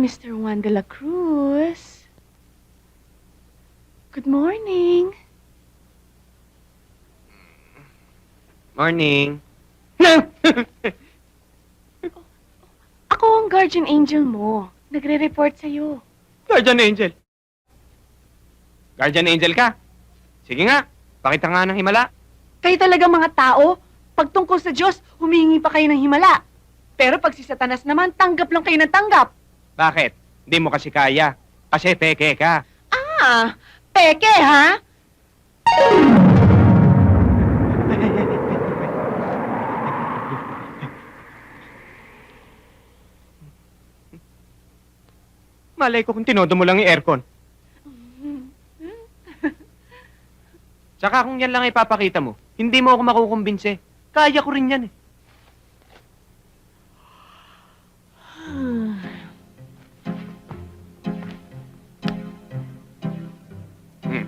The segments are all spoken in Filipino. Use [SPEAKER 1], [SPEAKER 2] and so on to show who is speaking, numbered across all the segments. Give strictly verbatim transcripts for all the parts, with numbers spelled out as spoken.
[SPEAKER 1] Mister Juan de la Cruz. Good morning.
[SPEAKER 2] Morning.
[SPEAKER 1] Ako ang guardian angel mo. Nagre-report sa'yo.
[SPEAKER 2] Guardian Angel. Guardian Angel ka? Sige nga, pakita nga ng himala.
[SPEAKER 1] Kayo talaga mga tao, pag tungkol sa Diyos, humingi pa kayo ng himala. Pero pag si Satanas naman, tanggap lang kayo ng tanggap.
[SPEAKER 2] Bakit? Hindi mo kasi kaya. Kasi peke ka.
[SPEAKER 1] Ah, peke ha?
[SPEAKER 2] Malay ko kung tinodo mo lang yung aircon. Tsaka kung yan lang ipapakita mo, hindi mo ako makukumbinse. Kaya ko rin yan eh. Hmm.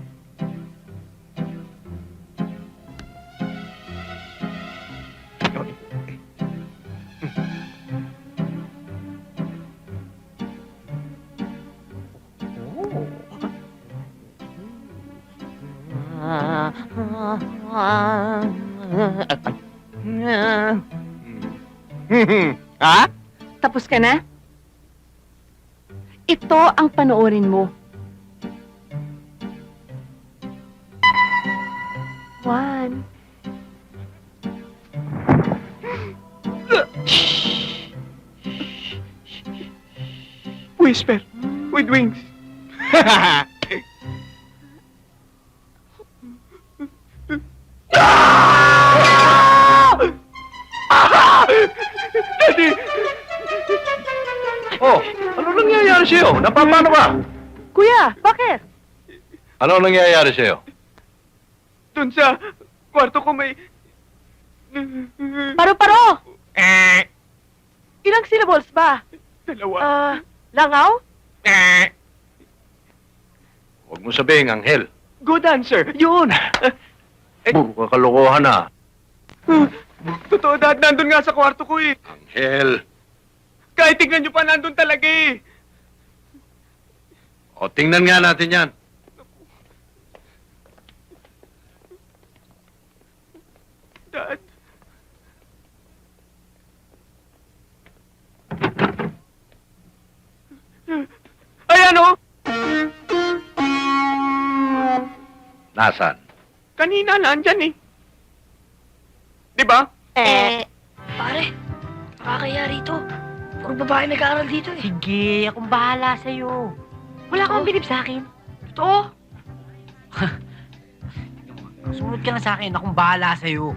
[SPEAKER 2] Ha?
[SPEAKER 1] Tapos ka na? Ito ang panoorin mo. One.
[SPEAKER 2] Whisper with wings. Daddy!
[SPEAKER 3] Oh, ano nangyayari sa'yo? Napapano ka?
[SPEAKER 1] Kuya, bakit?
[SPEAKER 3] Ano nangyayari sa'yo?
[SPEAKER 2] Dun sa kwarto ko may...
[SPEAKER 1] Paro-paro!
[SPEAKER 2] Eh,
[SPEAKER 1] Ilang syllables ba?
[SPEAKER 2] dalawa.
[SPEAKER 1] Ah, langaw?
[SPEAKER 2] Eh,
[SPEAKER 3] Huwag mo sabihin, Anghel.
[SPEAKER 2] good answer. Yun.
[SPEAKER 3] Puro ka kalokohan na.
[SPEAKER 2] Totoo, Dad. Nandun nga sa kwarto ko eh.
[SPEAKER 3] Anghel.
[SPEAKER 2] Kahit tignan nyo pa, nandun talaga eh.
[SPEAKER 3] O, tingnan nga natin yan.
[SPEAKER 2] Dad. Ay, ano?
[SPEAKER 3] Nasaan?
[SPEAKER 2] Kanina nandyan eh. Di ba?
[SPEAKER 1] Eh,
[SPEAKER 4] Pare, nakakaya rito. Puro babae nag-aaral dito eh.
[SPEAKER 5] Sige, akong bahala sa'yo. Wala kang bilib sa akin.
[SPEAKER 4] Totoo?
[SPEAKER 5] Sumunod ka na sa akin, akong bahala sa'yo.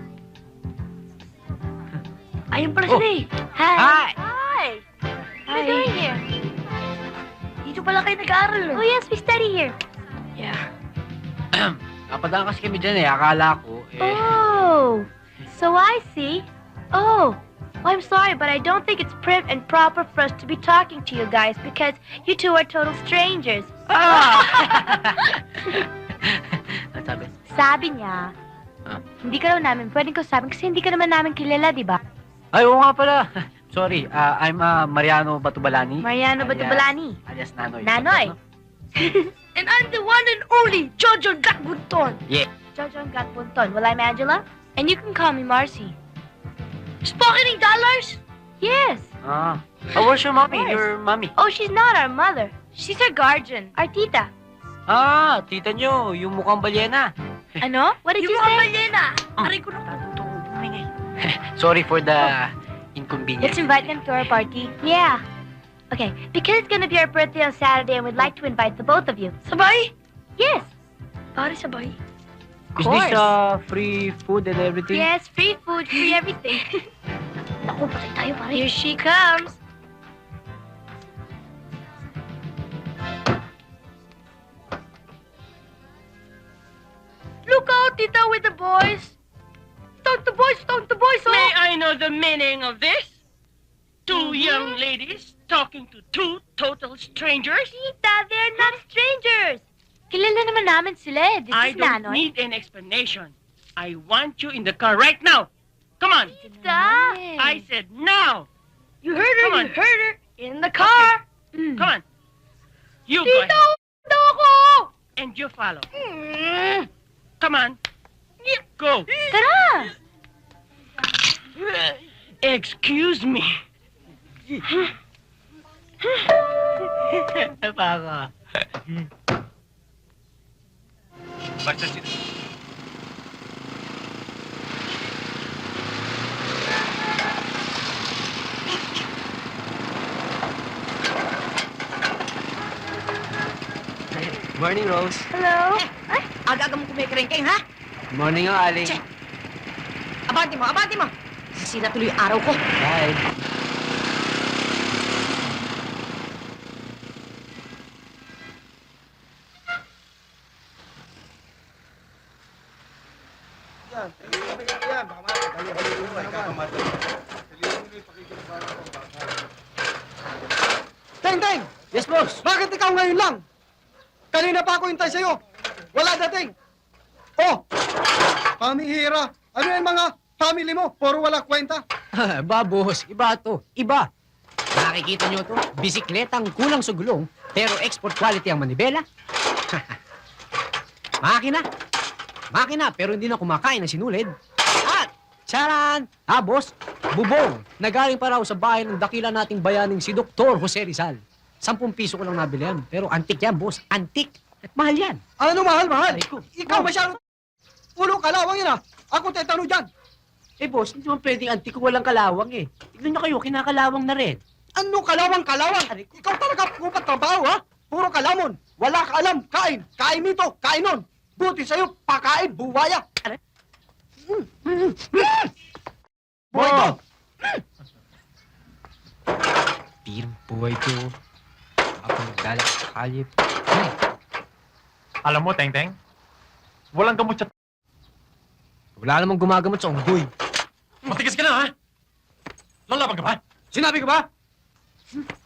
[SPEAKER 4] Ayun pala
[SPEAKER 5] Oh.
[SPEAKER 4] sila eh. Hi!
[SPEAKER 5] Hi!
[SPEAKER 4] Hi! What are you
[SPEAKER 1] Hi.
[SPEAKER 4] doing here? Dito pala kayo nag-aaral eh.
[SPEAKER 1] oh yes, we study here.
[SPEAKER 4] Yeah.
[SPEAKER 5] Napadaan kasi kami dyan eh, akala ko eh.
[SPEAKER 1] Oh, so I see. Oh, well, I'm sorry, but I don't think it's prim and proper for us to be talking to you guys because you two are total strangers.
[SPEAKER 5] Ah! Ano sabi?
[SPEAKER 1] Sabi niya,
[SPEAKER 5] Ah.
[SPEAKER 1] hindi ka raw namin pwedeng kausapin kasi hindi ka naman namin kilala, di ba?
[SPEAKER 5] Ay, oo nga pala. Sorry, ah, I'm uh, Mariano Batubalani.
[SPEAKER 1] Mariano
[SPEAKER 5] alias-
[SPEAKER 1] Batubalani.
[SPEAKER 5] Alias Nanoy.
[SPEAKER 1] Nanoy.
[SPEAKER 4] And I'm the one and only Jojo Gatbunton.
[SPEAKER 1] Jojo Gatpunton. Well, I'm Angela, and you can call me Marcy.
[SPEAKER 4] Spokening dollars?
[SPEAKER 1] Yes.
[SPEAKER 5] Ah. Oh, where's your mommy?
[SPEAKER 1] Of course.
[SPEAKER 5] Your mommy.
[SPEAKER 1] Oh, she's not our mother. She's our guardian, our tita.
[SPEAKER 5] Ah, tita nyo, yung mukhang balyena.
[SPEAKER 1] Ano? What did
[SPEAKER 4] Yung
[SPEAKER 1] you
[SPEAKER 4] mga
[SPEAKER 1] say?
[SPEAKER 4] balyena. Aray ko na.
[SPEAKER 5] Sorry for the inconvenience.
[SPEAKER 1] Let's invite them to our party. Yeah. Okay, because it's gonna be our birthday on Saturday and we'd like to invite the both of you.
[SPEAKER 4] Sabay?
[SPEAKER 1] Yes.
[SPEAKER 4] Pare, sabay.
[SPEAKER 5] Is
[SPEAKER 1] course.
[SPEAKER 5] this uh, free food and everything?
[SPEAKER 1] Yes, free food, free everything.
[SPEAKER 4] Naku, patay tayo pare.
[SPEAKER 1] Here she comes.
[SPEAKER 4] Look out, Tita, with the boys. Don't the boys, don't the boys, oh!
[SPEAKER 6] May I know the meaning of this? Two young ladies talking to two total strangers?
[SPEAKER 1] Tita, they're not strangers. Kilala naman namin sila eh. This
[SPEAKER 6] I
[SPEAKER 1] is
[SPEAKER 6] don't
[SPEAKER 1] Nanoy.
[SPEAKER 6] need an explanation. I want you in the car right now. Come on.
[SPEAKER 1] Tita.
[SPEAKER 6] I said now.
[SPEAKER 4] You heard her,
[SPEAKER 6] Come
[SPEAKER 4] you
[SPEAKER 6] on.
[SPEAKER 4] heard her. In the car.
[SPEAKER 6] Come on. You go ahead.
[SPEAKER 1] Tito ako!
[SPEAKER 6] And you follow. Come on. Go.
[SPEAKER 1] Tara!
[SPEAKER 6] Excuse me.
[SPEAKER 5] Baka.
[SPEAKER 3] Basta sila.
[SPEAKER 5] Morning, Rose.
[SPEAKER 1] Hello? Ay,
[SPEAKER 7] Aga-aga mo kumikrengkeng, ha?
[SPEAKER 5] Morning, nga, Aling.
[SPEAKER 7] Che. Abante mo, abante mo! Sisira tuloy yung araw ko.
[SPEAKER 5] Bye.
[SPEAKER 8] Teng, Teng!
[SPEAKER 5] Yes, boss.
[SPEAKER 8] Bakit ikaw ngayon lang? Kanina pa ako hintay sa'yo. Wala dating. Oh! Pamihira. Ano yung mga family mo? Puro wala kwenta.
[SPEAKER 5] ba, boss. Iba to. Iba. Nakikita nyo to? Bisikletang kulang sa gulong, pero export quality ang manibela. Makina. Makina, pero hindi na kumakain ng sinulid. At, charan! Ah, boss, bubong. Nagaling pa raw sa bahay ng dakila nating bayaning si Doktor Jose Rizal. Sampung piso ko lang nabili yan. Pero antik yan, boss. Antik. At mahal yan.
[SPEAKER 8] Ano mahal, mahal?
[SPEAKER 5] Ay, ko.
[SPEAKER 8] Ikaw
[SPEAKER 5] Oh.
[SPEAKER 8] masyado. Ulo kalawang yun ah. Ako tetano dyan.
[SPEAKER 5] Eh, boss, hindi naman pwedeng antik kung walang kalawang eh. Tignan nyo kayo, kinakalawang na rin.
[SPEAKER 8] Ano kalawang kalawang? Ikaw talaga pupat trabaho ha? Puro kalamon. Wala ka alam. Kain. Kain nito. Kain nun. Buti sa'yo. Pakain. Buwaya. Mm. Mm. Mm. Buhay to.
[SPEAKER 5] Pirang buhay to. Ako nagdala sa kalye.
[SPEAKER 9] Alam mo, Teng Teng, walang gamot sa...
[SPEAKER 5] Wala namang gumagamot sa unggoy.
[SPEAKER 9] Matigas ka na, ha? Lalaban ka ba?
[SPEAKER 8] Sinabi ko ba?